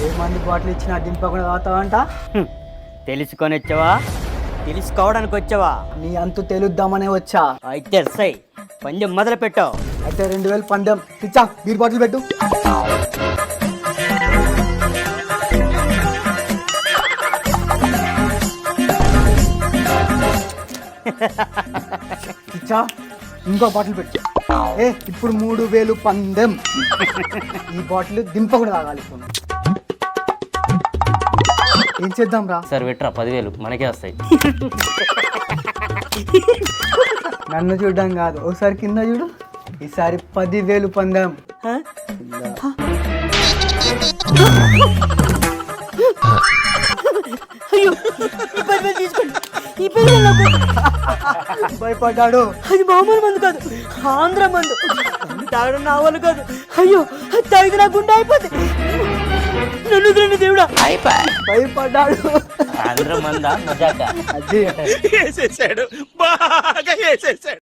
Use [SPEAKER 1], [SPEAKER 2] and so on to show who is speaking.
[SPEAKER 1] ఏ మంది బాటిల్ ఇచ్చినా దింపకుండా తాగుతావంట.
[SPEAKER 2] తెలుసుకొని వచ్చావా తెలుసుకోవడానికి వచ్చావా?
[SPEAKER 1] నీ అంతు తెలుద్దామనే వచ్చా.
[SPEAKER 2] అయితే సై పందెం మొదలు పెట్టావు.
[SPEAKER 1] అయితే 2000 పందెం పిచ్చా. బీర్ బాటిల్ పెట్టు. పిచ్చా ఇంకో బాటిల్ పెట్టు. ఇప్పుడు 3000 పందెం. ఈ బాటిల్ దింపకుండా తాగాలి. ఇప్పుడు ఏం చేద్దాం రా?
[SPEAKER 2] సార్ విట్రా 10,000 మనకే వస్తాయి.
[SPEAKER 1] నన్ను చూడడం కాదు, ఒకసారి కింద చూడు. ఈసారి 10,000 పందెం.
[SPEAKER 2] అయ్యో ఈ 10,000 తీసుకోండి. ఈ 10,000 నాకు
[SPEAKER 1] భయపడ్డాడు.
[SPEAKER 2] అది మామూలు మందు కాదు, ఆంధ్ర మందు. తాగడం నా వాళ్ళు కాదు. అయ్యో తాగితే నా గుండె అయిపోద్ది. నన్ను తిరండి దేవుడా.
[SPEAKER 1] భయపడ్డాడు.
[SPEAKER 2] ఆంధ్ర మందా మజాక
[SPEAKER 1] అది
[SPEAKER 3] వేసేసాడు, బాగా వేసేసాడు.